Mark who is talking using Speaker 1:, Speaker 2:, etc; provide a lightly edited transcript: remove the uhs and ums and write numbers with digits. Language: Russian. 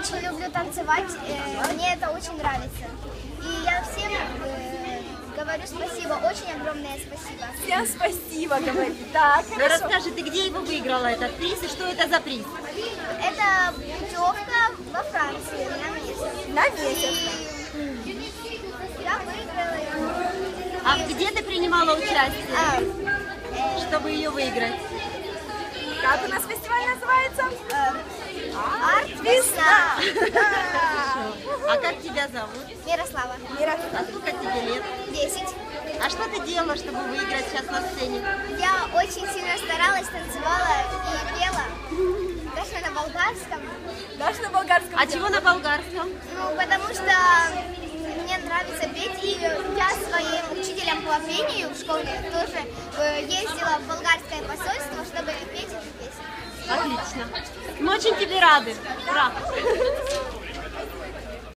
Speaker 1: очень люблю танцевать, мне это очень нравится. И я всем говорю спасибо, очень огромное спасибо.
Speaker 2: Всем спасибо, говорит. Так,
Speaker 3: Ну, расскажи, ты где его выиграла, этот приз, и что это за приз?
Speaker 1: Это путевка во Францию на месяц.
Speaker 2: на месяц.
Speaker 1: И я выиграла ее.
Speaker 3: А где ты принимала участие, чтобы ее выиграть?
Speaker 2: Как у нас фестиваль называется?
Speaker 1: Арт-весна.
Speaker 3: А как тебя зовут?
Speaker 1: Мирослава.
Speaker 3: А сколько тебе лет?
Speaker 1: 10.
Speaker 3: А что ты делала, чтобы выиграть сейчас на сцене?
Speaker 1: Я очень сильно старалась, танцевала и пела. Даже на болгарском.
Speaker 2: Даже на болгарском.
Speaker 3: А чего на болгарском?
Speaker 1: Ну, потому что мне нравится петь, и я своим учителем по пению в школе тоже ездила в болгарское посольство, чтобы петь эту песню.
Speaker 3: Отлично. Мы очень тебе рады. Ура!